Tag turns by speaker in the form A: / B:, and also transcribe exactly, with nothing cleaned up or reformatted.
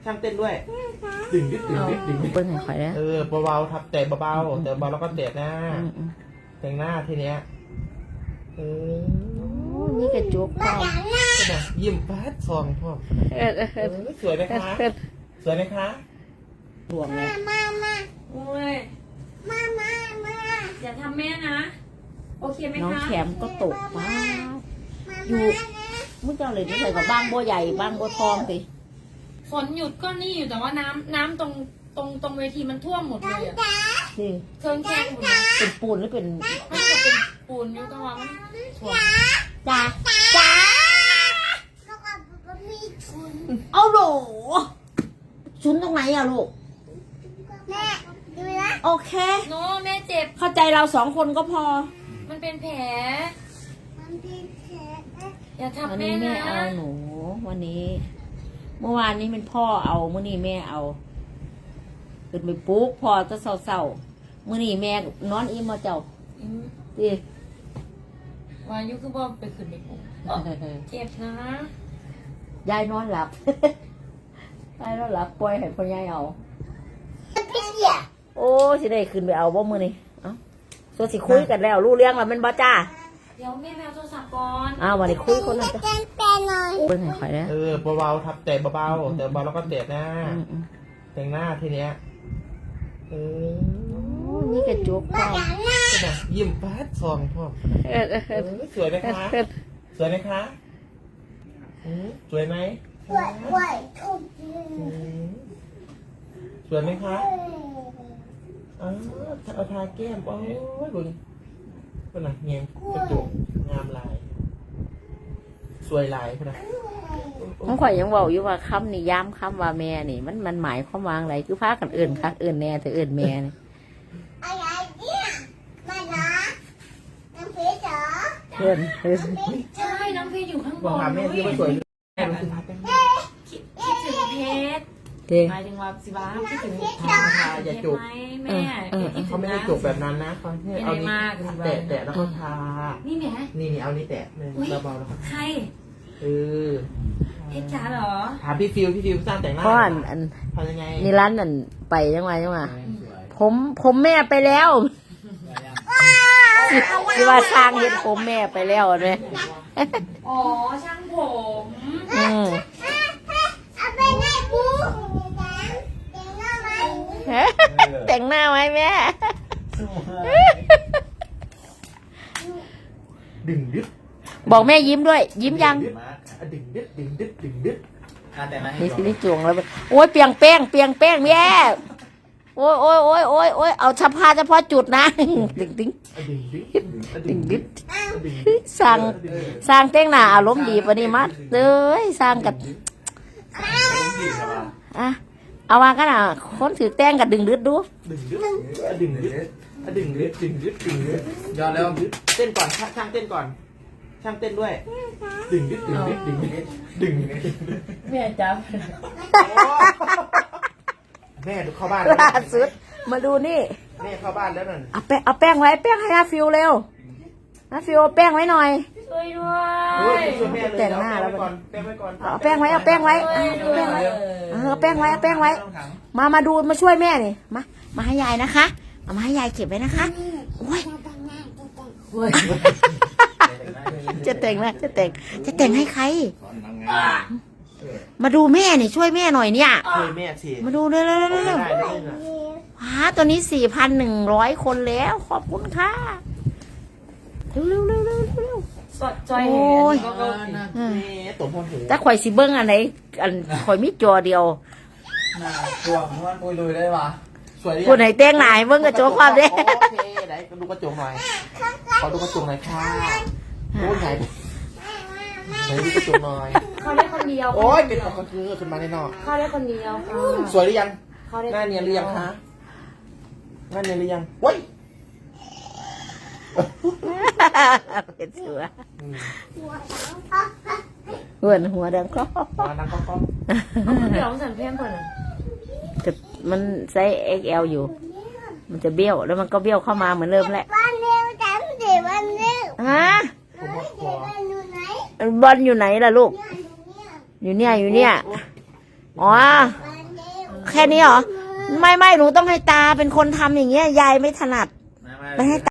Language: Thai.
A: ช่างเต้นด้วยดึงดึงดึงดึงดึง
B: เปิ้ลให้ข่อยแล้ว
A: เออเบาๆทับแต่เบาๆแต่เบาแล้วก็เตะหน้าแต่งหน้าทีเนี้ยเออ
B: นี่กระจุกพ่อ
A: ยิ้มแป๊ดซองพ่อ
B: เออเออ
A: เออสวยไหมคะสวยไหมคะ
B: ดวงเลย
C: มามา
D: โอ้ย
C: มามามา
D: อย่าทำแม่นะ โอเคไหม
B: น้อง
D: คะ
B: แขมก็ตกป้าอยู่มึงเจ้าเลยนี่ใส่กับบ้างบัวใหญ่บ้างบัวทองสิ
D: ฝนหยุดก็นี่อยู่แต่ว่าน้ำน้ำตรงตรงตรงเวทีมันท่วมหมดเลยอะ
B: นี่
D: เครื่องแกงหมดเลย
B: เป็นปูนหรือเป็น
D: มันก็เป็นปูนอยู่แต่ว่ามันท่วม
B: จ้าจ้า
C: แล้วก็มีทุน
B: เอาโหลชุนตรงไหนอะลูก
C: แม่ดูนะ
B: โอเค
D: โน้แม่เจ็บ
B: เข้าใจเราสองคนก็พอ
D: มันเป็นแผล
C: มันเป็นแผล
D: อย่า
B: วัน
D: ทำแม่
B: นี้แม่
D: นะ
B: เอาหนู วันนี้ เมื่อวานนี้เป็นพ่อเอาเมื่อนี้แม่เอาขึ้นไปปลุ๊กพ่อจะเศร้าๆเมื่อนี้แม่นอนอิ่มมาเจ้า
D: อืม
B: ดิ
D: วายุคือว่าไปขึ้นไปปลุกเจ็บนะ
B: ยายนอนหลับ ยายนอนหลับปล่อยให้พ่อยายเอา
C: พี่เหี้ย
B: โอ้สิได้ขึ้นไปเอาบ่มือนี่เอ้าส่วนสิคุยกันแล้วรู้เรื่องแล้วแมันบ่จ้า
D: เดี๋ยวแม่แมวโทรศัพท์ก่อน
B: อ้าววันนี้คุยคนนั้นจ้ะ
C: แกนเป็นหน่อย
B: เปิ้ลให้ข่อยแล้ว
A: เออเบาๆทับแต่เบาๆแต่เบาแล้วก็เตะหน้า
B: อืมอืม
A: แต่งหน้าทีเนี้ยเออ
B: โอ้นี่กระจุกพ่อ
A: ยิ้มแป๊ดซองพ่อ
B: เออเออ
A: เออสวยไหมคะสวยไหมคะอืมสวยไหม
C: ไหวไหวทุบ
A: อืมสวยไหมคะอ๋อเอาทาแก้มโอ้ยดูดิเป็นไงเงี้ยกระจกงามลาย สวยลายเป็นไง
B: น้องข่อยยังบอกอยู่ว่าคำนี่ย้ำคำว่าแม่นี่มันมันหมายความว่าอะไรคือพากันเอื่นคักเอื่นแน่แต่เอื่นแม่นี่
C: อะไรเนี่ยมาเหรอน้ำเพชรเหรอ
B: เอื่นเอื่น
D: ใช่น้องเพชรอยู่ข้างบ
A: บอก
D: น
A: หาแม่ที่ว่าสวยแม่มันคือทาแป้ง
D: คิดคิดถึงเพชร
B: เด้
D: หมายถึงว่าสิบ้าคิดถึงเพชร
A: ทาทาอย่าจุก
D: ไหมแม่คิดถึ
A: เขา
D: ง
A: ไม่ได้
D: นะ
A: จุกแบบนั้นนะเขาให้เอานี้แตะแตะแล้วก็ทา
D: นี่แหม่
A: นี่นี่เอานี้แตะเลยเบาๆแล้วก็
D: ใคร
A: เออ
D: เพชรจ๋าเหรอ
A: ถามพี่ฟิวพี่ฟิวสร้างแต่งหน้า
B: เพราะอันอัน
A: ทำยังไง
B: นี่ร้านนั่นไปยังไงยังไงผมผมแม่ไปแล้วที่ว่าสร้างเห็นผมแม่ไปแล้วไหม
D: อ๋อช่างผม
B: อืม
C: เอาไปให้ปูแต่งหน้าไหม
B: แต่งหน้าไหมแม่
A: ดึงดึ๊ด
B: บอกแม่ยิ้มด้วย ยิ้มยัง
A: ดึงดึ๊ดดึงดึ๊ดดึงดึ๊ด
B: นี่สินี่จวงแล้วโอ้ยเปียงแป้งเปียงแป้งแม่โอ้ยโอ้ยโอ้ยโอ้ยโอ้ยเอาเฉพาะเฉพาะจุดนะดึงดึง
A: ดึงดึ๊ด
B: ดึงดึง
A: ดึง
B: สร้างสร้างแต่งหน้าอารมณ์ดีปะนี่มัดเลยสร้างกันอ่ะเอาว่ากันอ่ะคนถือแต่งกับดึงดึดดู
A: ดึงดึ๊ดดึงดึ๊ดดึงดึ๊ดดึงดึ๊ดดึงดึ๊ดยอดแล้วเต้นก่อนช่างเต้นก่อนช่างเต้นด้วยดึงดึ๊ดดึงดึ๊ดดึงดึ๊ดดึง
B: แม่จับ
A: แม่ดูเข้าบ้าน
B: ล่าสุดมาดูนี่
A: แม่เข้าบ้านแล้วนั่น
B: เอาแป้งเอาแป้งไว้แป้งให้น้าฟิวเร็วน้าฟิวเอาแป้งไว้หน่อย
D: ช่วยด้ว
A: โอ้ย
D: ย
A: ช่วยแม่เลย
B: แต่งหน้าแล้ว
A: ก่อนแป้งไว้ก่อน
B: เอาแป้งไว้เอาแป้งไว้เอาแป้งไว้เออเอาแป้งไว้เอาแป้งไว้ มามาดูมาช่วยแม่นี่มามาให้ยายนะคะเอามาให้ยายเก็บไว้นะคะโอ้ยจะแต่งนะจะแต่งจะแต่งให้ใคร มาดูแม่นี่ช่วยแม่หน่อยเนี่ย
A: ช่วยแม่สิ
B: มาดูเร็วเร็วเร็ว
A: ไม่
B: เร็ว
A: ได้เลยนะ
B: ว้าตัวนี้สี่พันหนึ่งร้อยคนแล้วขอบคุณค่ะเร็วเร็วเร็วเร็วเร็ว
D: สดจอย
B: โอ้ย
D: ก็ก็
A: แม่ตบหัวหู
B: แต่ข่อยสิเบิ้งอันไหนอันข่อยมีจอเดียว
E: น่าช่วงมันปุยลุยได้ปะ
A: สวยดิ
B: ผู้ไหนแต่งหน้าให้เบิ้งกระจกความเด้
A: โอเคไหนดูกระจกหน่อยขอดูกระจกหน่อยค่ะโอ้ยไหนไหนดูกระจกหน่อย
D: เขาได้คนเดียว
A: โอ้ยเป็นของกระคือขึ้นมาแน่นอน
D: เขาได้คนเดียวค่ะ
A: สวยหรือยัง
D: เขาได้
A: หน้าเนียนหรือยังคะหน้าเนียนหรือยังโอ้ย
B: เป็นเสือ
A: อืม
B: เหมือนหัวดังก็
A: มานั่งก็ก็
D: เดี๋ยวสั่นเพี้ยนก่อนนะ
B: แต่มันไซส์ เอ็กซ์ แอล อยู่ มันจะเบี้ยวแล้วมันก็เบี้ยวเข้ามาเหมือนเริ่มแหละ
C: บ้านเร็วจังเดี๋ยวบ้านเร็ว
B: ฮะ
A: ผมบอกข
C: เดี๋
A: อ
C: ยวบ้านอยู่ไหน
B: บอลอยู่ไหนล่ะลูก
C: เนี่ยอยู่เนี่ย
B: อยู่เนี่ยอยู่เนี่ยอ๋อ
C: บ้าน
B: แค่นี้เหรอ ไม่ไม่หนูต้องให้ตาเป็นคนทำอย่างเงี้ย ยายไม่ถนัด
E: ไม่ไม่
B: ไม่ให้